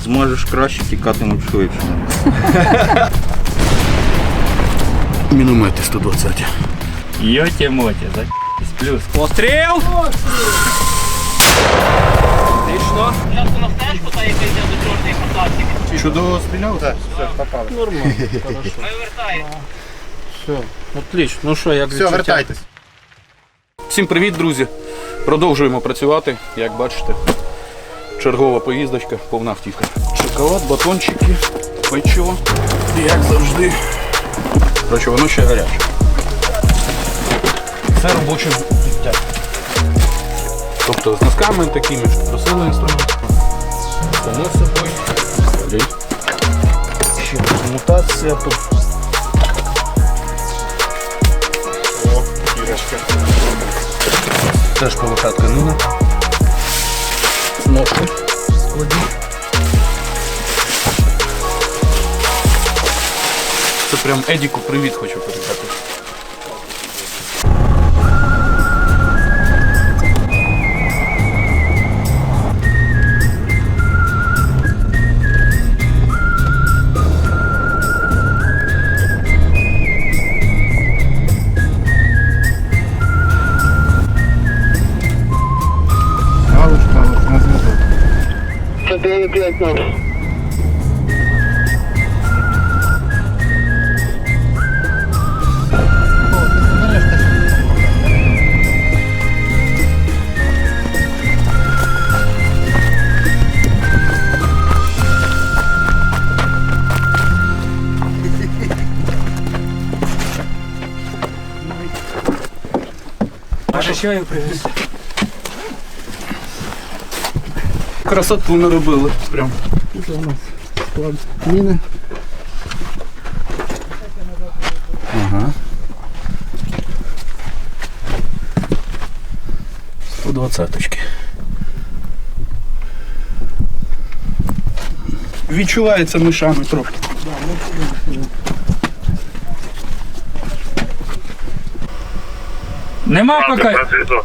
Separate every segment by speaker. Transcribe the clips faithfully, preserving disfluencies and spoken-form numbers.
Speaker 1: Зможеш краще, тікатимуть швидше.
Speaker 2: Міномети сто двадцять.
Speaker 1: Йоті-моті, за плюс. Постріл! Отлично.
Speaker 3: Спочатку на стежку, та яка йде до чорної посадки.
Speaker 2: Чудово стріляв? Так, все, попали.
Speaker 4: Нормально, хорошо.
Speaker 3: Ми вертаємо.
Speaker 4: Все, отлично. Ну що, як
Speaker 2: Все,
Speaker 4: відчуття?
Speaker 2: вертайтесь. Всім привіт, друзі. Продовжуємо працювати. Як бачите, чергова поїздочка, повна втіха. Шоколад, батончики, печиво. Як завжди. Короче, воно ще гаряче. Це робоче життя. Тобто з носками такими, що просили інструмент. Само собою. Далі. Ще мутація тут. О, кірочка. Теж полоха тканина. Ножки складні. Це прям Едіку привіт хочу передати.
Speaker 3: чотири п'ять нуль.
Speaker 4: Може чаю привіз?
Speaker 2: Красоту наробили. Прям.
Speaker 4: Це у нас склад міни.
Speaker 2: Ага. сто двадцяточки. Відчувається мишами трохи.
Speaker 1: Нема поки.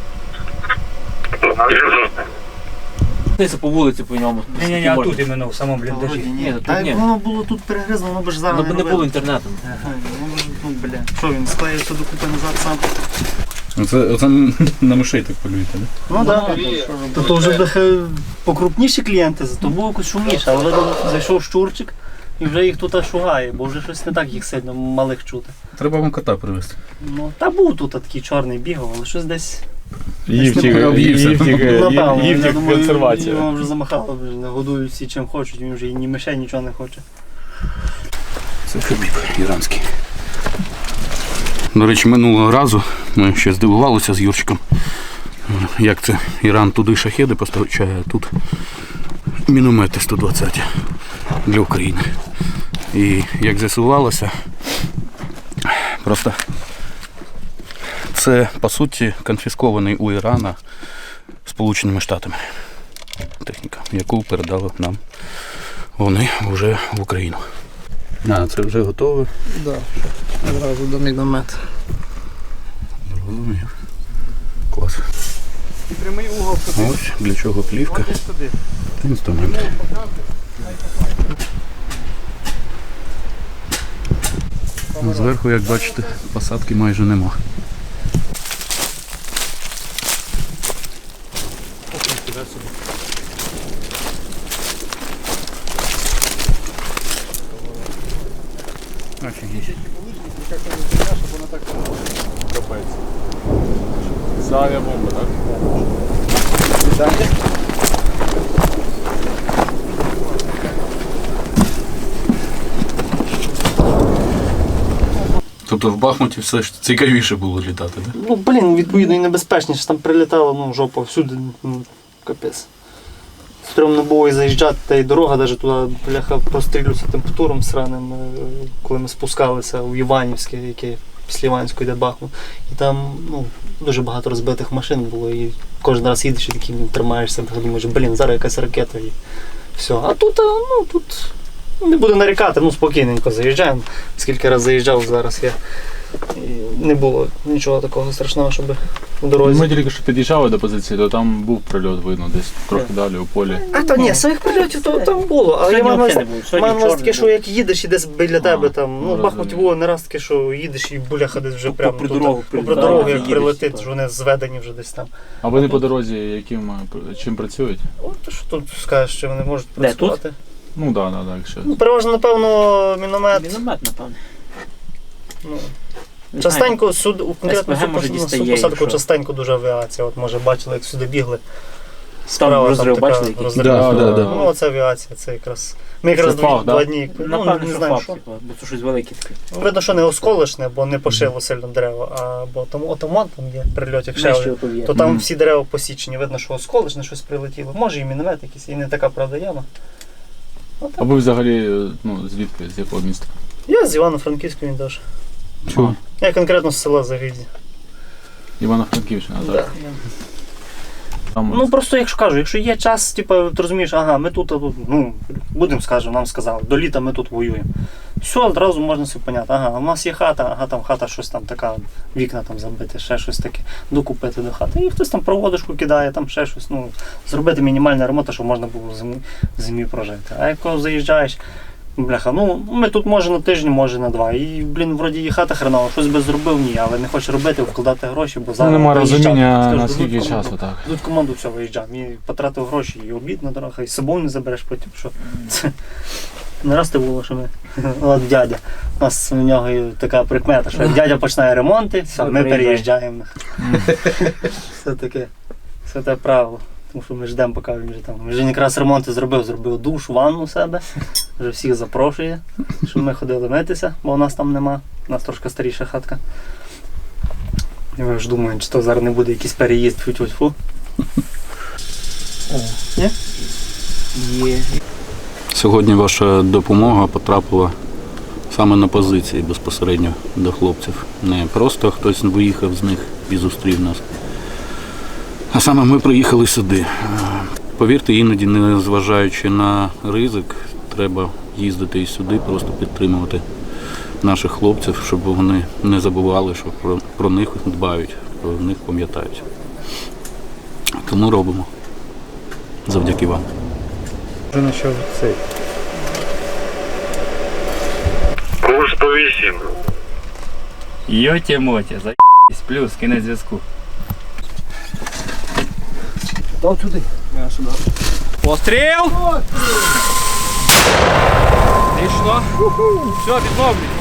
Speaker 4: Десь по вулиці по ньому.
Speaker 1: Ні-ні-ні, а тут іменно в самому бліндажі.
Speaker 4: Ні, тут
Speaker 5: Та
Speaker 4: ні.
Speaker 5: як воно було тут перегризло, воно б ж зараз
Speaker 4: Воно б не
Speaker 5: робило.
Speaker 4: було інтернету.
Speaker 5: Ага, воно б ж, ну, бля. Що він склеївся докупи назад сам?
Speaker 2: Оце, оце на мишей так полюєте, да?
Speaker 5: Ну так. То, то вже трохи покрупніші клієнти, то було якось шумніше, а вже зайшов щурчик і вже їх тут аж шугає, бо вже щось не так їх сильно малих чути.
Speaker 2: Треба вам кота привезти.
Speaker 5: Ну, та був тут такий чорний бігав, але щось десь.
Speaker 2: Ївтік, ївтік,
Speaker 5: Напевно, я
Speaker 2: ївтік
Speaker 5: думаю,
Speaker 2: консервація.
Speaker 5: його вже замахало, вже не годують всі чим хочуть, він вже і ні мишей, нічого не хоче.
Speaker 2: Це хабіб іранський. До речі, минулого разу ми ще здивувалися з Юрчиком, як це Іран туди шахеди постачає, а тут міномети сто двадцять для України. І як з'ясувалося, просто це, по суті, конфіскований у Ірана Сполученими Штатами техніка, яку передали нам вони вже в Україну. А, це вже готове.
Speaker 4: Так, одразу до міномет.
Speaker 2: Розумію. Клас.
Speaker 5: Прямий угол.
Speaker 2: Ось для чого плівка. Інструмент. Зверху, як бачите, посадки майже нема. Офігеть.
Speaker 6: Це авіабомба, так?
Speaker 2: Тобто в Бахмуті все ж цікавіше було літати, так?
Speaker 5: Ну, блін, відповідно, і небезпечніше. Там прилітало, ну, жопа всюди, ну, капець. Стрьомно було і заїжджати, та й дорога навіть туди, бляха, прострілюється тим птуром сраним, коли ми спускалися у Іванівське, яке після Іванського йде Бахмут. І там, ну, дуже багато розбитих машин було, і кожен раз їдеш і такий, ну, тримаєшся, думаєш, блін, зараз якась ракета і все. А тут, ну, тут не буду нарікати, ну, спокійненько заїжджаємо. Скільки разів заїжджав, зараз я І не було нічого такого страшного, щоб в дорозі.
Speaker 6: Ми тільки що під'їжджали до позиції, то там був прильот видно, десь трохи далі у полі.
Speaker 5: А то ні, своїх прильотів то там було. А я маю на увазі таке, що як їдеш і десь біля тебе там, ну в Бахмуті було не раз таке, що їдеш і буляха десь вже прямо
Speaker 4: попри
Speaker 5: тут,
Speaker 4: дорогу
Speaker 5: попри
Speaker 4: прилітає,
Speaker 5: дорогу, як
Speaker 4: їдеш,
Speaker 5: прилетить,
Speaker 4: так.
Speaker 5: що вони зведені вже десь там.
Speaker 6: А вони по дорозі яким, е, чим працюють?
Speaker 5: От то що тут скажеш, що вони можуть
Speaker 4: Де, тут?
Speaker 5: працювати.
Speaker 6: Ну так, так, так, якщо.
Speaker 5: Ну, переважно, напевно, міномет.
Speaker 4: Міномет, напевно.
Speaker 5: Ну,
Speaker 4: Не знаю.
Speaker 5: частенько суд, конкретно
Speaker 4: СПГ, може,
Speaker 5: суд, на
Speaker 4: дістає,
Speaker 5: суд посадку
Speaker 4: якщо-
Speaker 5: частенько дуже авіація. От може бачили, як сюди бігли.
Speaker 4: Там розрив,
Speaker 5: така
Speaker 4: бачили, який?
Speaker 5: розрив.
Speaker 2: Да, да, да.
Speaker 5: Ну, оце авіація, це якраз. Ми якраз
Speaker 6: Це
Speaker 5: два,
Speaker 6: фах, да?
Speaker 5: два дні. Ну,
Speaker 4: Напевно,
Speaker 5: не
Speaker 4: що
Speaker 5: знаю,
Speaker 4: факт,
Speaker 5: що.
Speaker 4: типу, бо це щось велике таке.
Speaker 5: Видно, що не осколочне, бо не пошило сильно дерева, а бо там отаман там є прильот, як ще
Speaker 4: Знаєш,
Speaker 5: один,
Speaker 4: що тут є?
Speaker 5: то там
Speaker 2: Мгм.
Speaker 5: всі дерева посічені. Видно, що осколочне щось прилетіло. Може і міномет якийсь, і не така правда яма.
Speaker 6: А ви взагалі, ну, звідки, з якого міста?
Speaker 5: Я з Івано-Франківського він теж.
Speaker 6: Чого?
Speaker 5: Я конкретно з села Загиді.
Speaker 6: Івано-Франківщина,
Speaker 5: Да.
Speaker 6: так? Там,
Speaker 5: Ну просто якщо кажу, якщо є час, типу, ти розумієш, ага, ми тут, тут ну, будемо скажемо, нам сказали, до літа ми тут воюємо. Все, одразу можна все поняти. Ага, у нас є хата, ага, там хата щось там така, вікна там забити, ще щось таке, докупити до хати. І хтось там проводочку кидає, там ще щось, ну, зробити мінімальний ремонт, щоб можна було в зимі, в зимі прожити. А як коли заїжджаєш, бляха, ну ми тут може на тиждень, може на два. І, блін, вроді і хата хренова, щось би зробив, ні, але не хочеш робити, вкладати гроші, бо
Speaker 6: ну,
Speaker 5: зараз.
Speaker 6: немає
Speaker 5: виїжджати.
Speaker 6: розуміння,
Speaker 5: Скажу,
Speaker 6: наскільки
Speaker 5: дадуть команду.
Speaker 6: часу, так.
Speaker 5: Тут команду все виїжджав. І потратив гроші, і обід на дорогах, і з собою не забереш потім. Що це не раз те було, що ми. От дядя. У нас у нього і така прикмета, що як дядя починає ремонти, все, ми переїжджаємо. Все таке. Все те правило. Тому що ми ждемо, поки він вже там. Він вже якраз ремонти зробив, зробив душ, ванну у себе. Вже всіх запрошує, щоб ми ходили митися, бо у нас там нема. У нас трошки старіша хатка. І ми ж думаємо, чи то зараз не буде якийсь переїзд, фу-фу-фу. Є?
Speaker 4: Є.
Speaker 2: Сьогодні ваша допомога потрапила саме на позиції безпосередньо до хлопців. Не просто хтось виїхав з них і зустрів нас. А саме ми приїхали сюди. Повірте, іноді, не зважаючи на ризик, треба їздити і сюди, просто підтримувати наших хлопців, щоб вони не забували, що про, про них дбають, про них пам'ятають. Тому робимо. Завдяки вам.
Speaker 7: Курс по вісім.
Speaker 1: Йоті-моті, за***сь, плюс, кінець зв'язку.
Speaker 4: Дай туди. Я сюди.
Speaker 1: Постріл! Пішло. Все, відновлюється.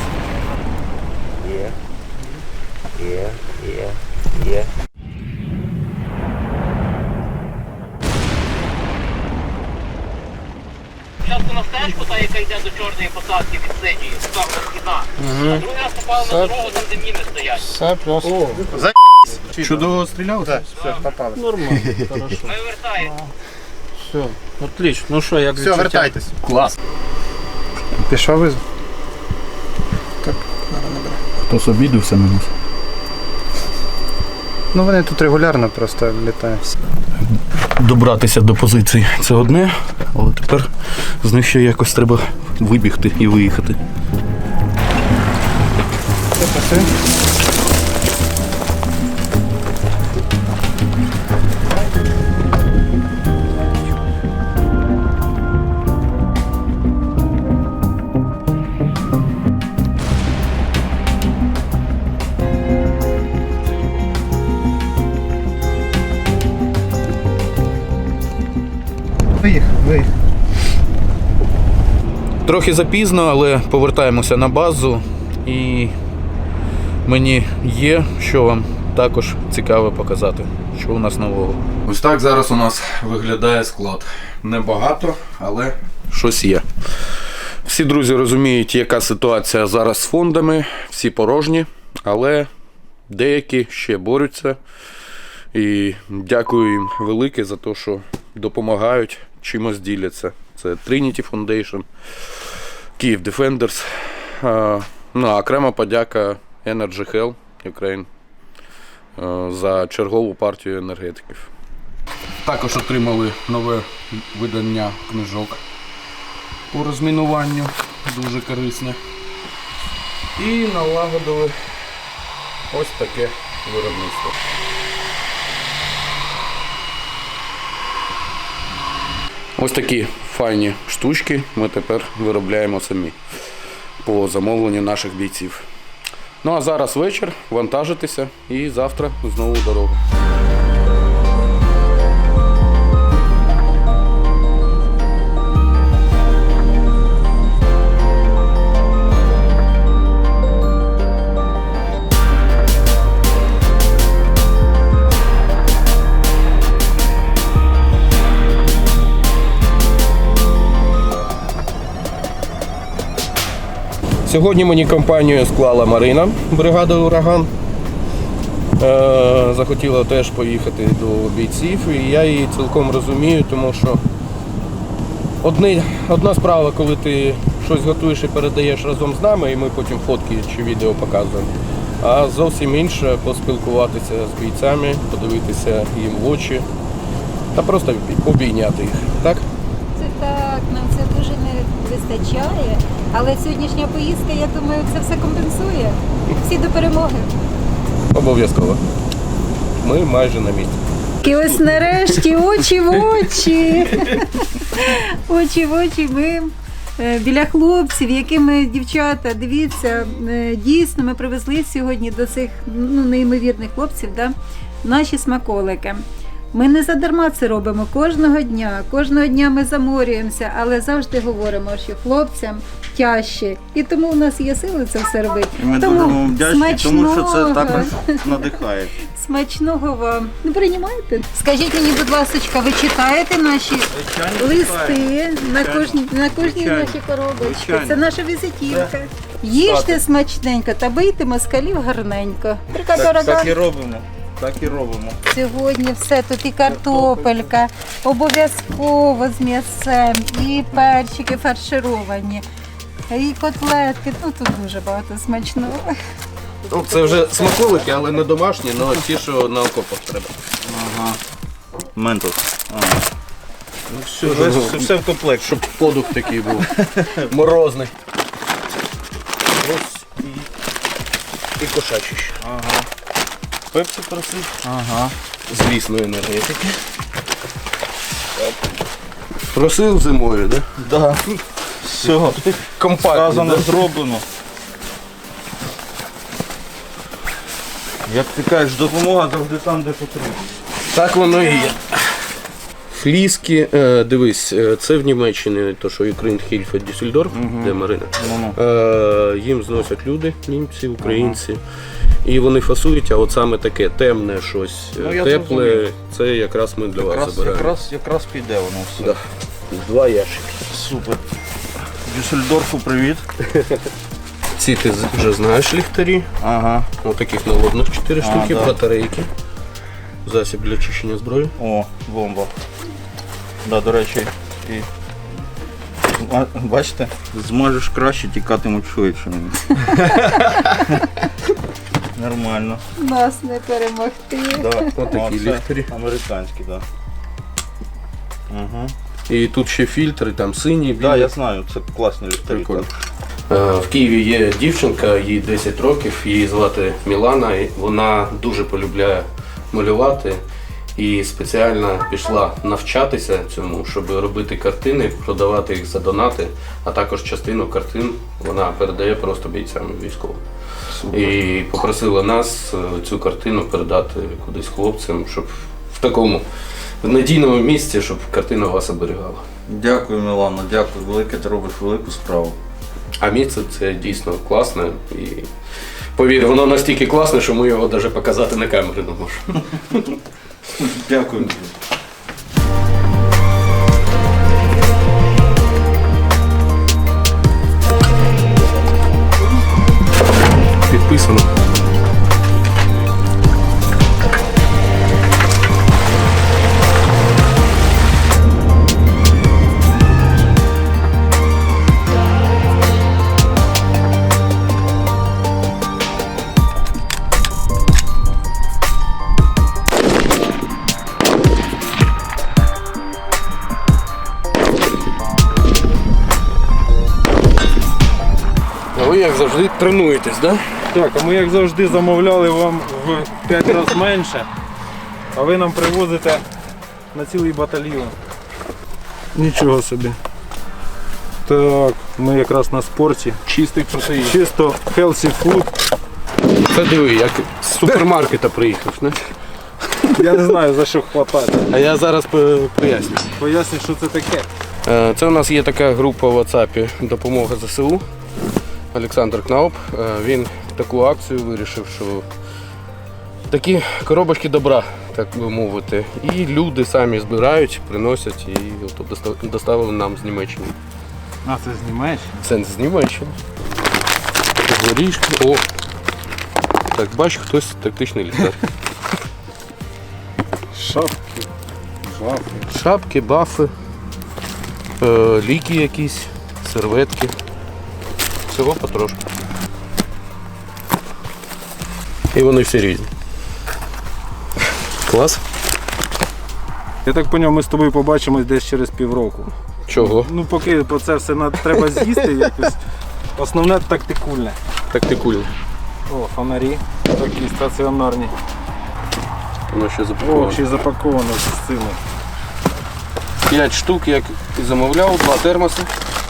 Speaker 3: Спочатку на стежку, та яка йде до чорної посадки від синьої, сторони східна. А другий раз попали на дорогу, там де міни стоять.
Speaker 4: Все просто.
Speaker 2: Чудово стріляв? Так.
Speaker 4: Нормально, хорошо.
Speaker 3: Ми вертаємо.
Speaker 4: Все, отлично. Ну що, як
Speaker 8: Все, вертайтесь.
Speaker 2: Клас.
Speaker 8: Пішов із.
Speaker 2: Хтось обідався на нас.
Speaker 8: Ну вони тут регулярно просто літають.
Speaker 2: Добратися до позиції це одне, але тепер з них ще якось треба вибігти і виїхати.
Speaker 8: Виїхав, виїхав.
Speaker 2: Трохи запізно, але повертаємося на базу і мені є, що вам також цікаво показати, що у нас нового. Ось так зараз у нас виглядає склад. Небагато, але щось є. Всі друзі розуміють, яка ситуація зараз з фондами, всі порожні, але деякі ще борються. І дякую їм велике за те, що допомагають, чимось діляться. Це Trinity Foundation, Kyiv Defenders. А, ну, а окрема подяка Energy Hell Ukraine а, за чергову партію енергетиків. Також отримали нове видання книжок по розмінуванню, дуже корисне. І налагодили Ось таке виробництво. Ось такі файні штучки ми тепер виробляємо самі по замовленню наших бійців. Ну а зараз вечір, вантажитися і завтра знову в дорогу.
Speaker 9: Сьогодні мені компанію склала Марина, бригада «Ураган». Е, захотіла теж поїхати до бійців, і я її цілком розумію, тому що одні, одна справа, коли ти щось готуєш і передаєш разом з нами, і ми потім фотки чи відео показуємо, а зовсім інше поспілкуватися з бійцями, подивитися їм в очі та просто обійняти їх. Так?
Speaker 10: Це так, нам це дуже не вистачає, але сьогоднішня поїздка, я думаю, це все компенсує. Всі до перемоги.
Speaker 9: Обов'язково. Ми майже на місці.
Speaker 10: І ось нарешті очі в очі. Очі в очі ми е, біля хлопців, якими дівчата, дивіться, е, дійсно ми привезли сьогодні до цих ну, неймовірних хлопців, да, наші смаколики. Ми не задарма це робимо кожного дня. Кожного дня ми заморюємося, але завжди говоримо, що хлопцям тяжче. І тому у нас є сили це все робити.
Speaker 11: І ми
Speaker 10: тому
Speaker 11: дуже вам вдячні, тому що це
Speaker 10: смачного.
Speaker 11: також надихає.
Speaker 10: Смачного вам. Ну, приймаєте? Скажіть мені, будь ласка, ви читаєте наші листи на кожній, на кожній нашій коробочці?
Speaker 11: Звичайно.
Speaker 10: Це наша візитівка. Їжте смачненько та бийте москалів гарненько. Бригада
Speaker 11: Так,
Speaker 10: «Ураган».
Speaker 11: так і робимо. Так і робимо.
Speaker 10: Сьогодні все, тут і картопелька, обов'язково з м'ясем, і перчики фаршировані, і котлетки. Ну тут дуже багато смачного.
Speaker 9: Ну, це вже смаколики, але не домашні, але ті, що на окопах треба.
Speaker 11: Ага. Ментос. А.
Speaker 9: Ну, все,
Speaker 11: Все,
Speaker 9: щоб,
Speaker 11: все, все в комплекті.
Speaker 9: щоб подух такий був. Морозний. Ось і, і кошачий ще.
Speaker 11: Ага. Пепсі просить. Ага.
Speaker 9: З лісної енергетики. Просив зимою, так? Да?
Speaker 11: Да. Все.
Speaker 9: Компактно.
Speaker 11: Сказано,
Speaker 9: Да?
Speaker 11: зроблено. Як ти кажеш, допомога завжди там, де потрібно.
Speaker 9: Так воно і є. Фліски, е, дивись, е, це в Німеччині, то що Ukraine Hilfe Düsseldorf, де Марина.
Speaker 11: Ну-ну.
Speaker 9: Е, їм зносять люди, німці, українці. І вони фасують, а от саме таке темне щось,
Speaker 11: Ну, я
Speaker 9: тепле,
Speaker 11: зрозумів.
Speaker 9: це якраз ми для вас
Speaker 11: Якраз,
Speaker 9: забираємо.
Speaker 11: якраз, якраз піде воно все.
Speaker 9: Да. Два ящики.
Speaker 11: Супер. Дюссельдорфу привіт.
Speaker 9: Ці ти з- вже знаєш ліхтарі.
Speaker 11: Ага.
Speaker 9: Ось таких наводних чотири
Speaker 11: А,
Speaker 9: штуки,
Speaker 11: да.
Speaker 9: батарейки. Засіб для чищення зброї.
Speaker 11: О, бомба. Да, до речі, і. А, бачите, змажеш краще, тікатимуть швидше. Нормально.
Speaker 10: Нас не перемогти.
Speaker 11: Да.
Speaker 9: Отакі
Speaker 11: О, це
Speaker 9: ліхтарі.
Speaker 11: американські, так. Да. Угу.
Speaker 9: І тут ще фільтри, там сині, білі.
Speaker 11: Так, да, я знаю, це класні ліхтарі.
Speaker 9: Прикольно. Е, В Києві є дівчинка, їй десять років, її звати Мілана, і вона дуже полюбляє малювати і спеціально пішла навчатися цьому, щоб робити картини, продавати їх за донати, а також частину картин вона передає просто бійцям військовим. І попросила нас е, цю картину передати кудись хлопцям, щоб в такому в надійному місці, щоб картина вас оберігала.
Speaker 11: Дякую, Мілана, дякую. Велике, ти робиш велику справу.
Speaker 9: А місце це дійсно класне і повір, воно настільки класне, що ми його навіть показати на камері не можемо.
Speaker 11: Дякую.
Speaker 9: Підписано. А ви, як завжди, тренуєтесь, так? Да?
Speaker 4: Так, а ми як завжди замовляли вам в п'ять разів менше, а ви нам привозите на цілий батальйон. Нічого собі. Так, ми якраз на спорті.
Speaker 2: Чистий протеїн.
Speaker 4: Чисто healthy food.
Speaker 2: Це диви, як з супермаркета приїхав. Не?
Speaker 4: Я не знаю за що хватати.
Speaker 2: А я зараз по- поясню.
Speaker 4: Поясню, що це таке.
Speaker 2: Е, Це у нас є така група в WhatsApp «Допомога ЗСУ». Олександр Кнауп. Е, Він таку акцію вирішив, що такі коробочки добра, так би мовити. І люди самі збирають, приносять і от доста- доставили нам з Німеччини.
Speaker 4: А, це знімаєш?
Speaker 2: Це з Німеччини. Горішки. О! Так, бачу, хтось тактичний ліхтар.
Speaker 4: Шапки, бафи.
Speaker 2: Шапки, бафи, е, ліки якісь, серветки. Всього потрошку. І вони всі різні. Клас.
Speaker 4: Я так зрозумів, ми з тобою побачимось десь через півроку.
Speaker 2: Чого?
Speaker 4: Ну поки про це все на- треба з'їсти якось. Основне тактикульне.
Speaker 2: Тактикульно.
Speaker 4: О, фонарі такі стаціонарні.
Speaker 2: Воно ще
Speaker 4: О,
Speaker 2: запаковано.
Speaker 4: ще й запаковано з цими.
Speaker 2: П'ять штук, як і замовляв, два термоси.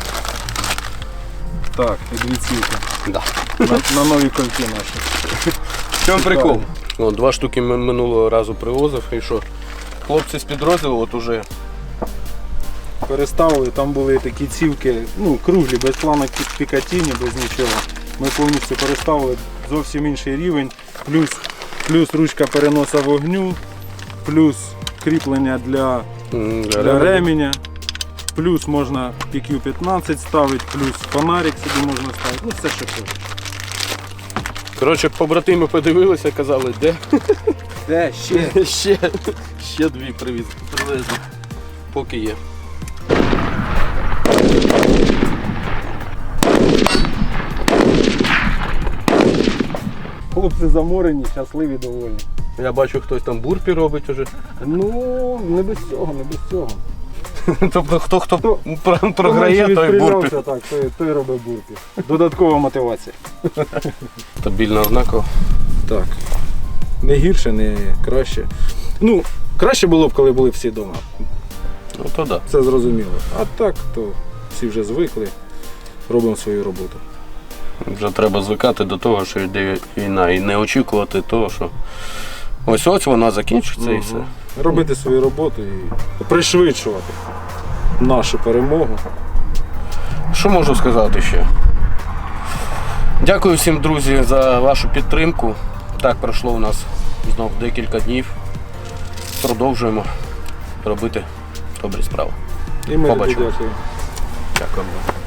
Speaker 4: Так, і дві цілки.
Speaker 2: Да.
Speaker 4: На, на нові кольки наші.
Speaker 2: В чому прикол? О, два штуки ми минулого разу привозив і що? Хлопці з підрозділу от уже
Speaker 4: Переставили, там були такі цівки, ну, круглі, без планок Пікатіні, без нічого. Ми повністю переставили, зовсім інший рівень, плюс, плюс ручка переноса вогню, плюс кріплення для,
Speaker 2: м,
Speaker 4: для ременя, плюс можна пі кью п'ятнадцять ставити, плюс фонарик собі можна ставити, ну все що хочеш.
Speaker 2: Коротше, побратими подивилися, казали, де?
Speaker 4: Де ще?
Speaker 2: ще, ще дві привіз, привезли. Поки є.
Speaker 4: Хлопці заморені, щасливі, довольні.
Speaker 2: Я бачу, хтось там бурпі робить уже.
Speaker 4: Ну, не без цього, не без цього.
Speaker 2: Тобто хто хто
Speaker 4: Хто-
Speaker 2: про- програє,
Speaker 4: Хто
Speaker 2: той
Speaker 4: менше
Speaker 2: бурпі.
Speaker 4: відстрілявся, Так, той, той робить бурпі. Додаткова мотивація.
Speaker 2: Стабільно однаково.
Speaker 4: Так. Не гірше, не краще. Ну, краще було б, коли були всі вдома.
Speaker 2: Ну то да.
Speaker 4: Це зрозуміло. А так, то всі вже звикли, робимо свою роботу.
Speaker 2: Вже треба звикати до того, що йде війна, і не очікувати того, що ось ось вона закінчиться і все.
Speaker 4: Робити свою роботу і пришвидшувати нашу перемогу.
Speaker 2: Що можу сказати ще? Дякую всім, друзі, за вашу підтримку. Так, пройшло у нас знов декілька днів. Продовжуємо робити добрі справи.
Speaker 4: І ми
Speaker 2: Побачимось.
Speaker 4: дякую.
Speaker 2: Дякую.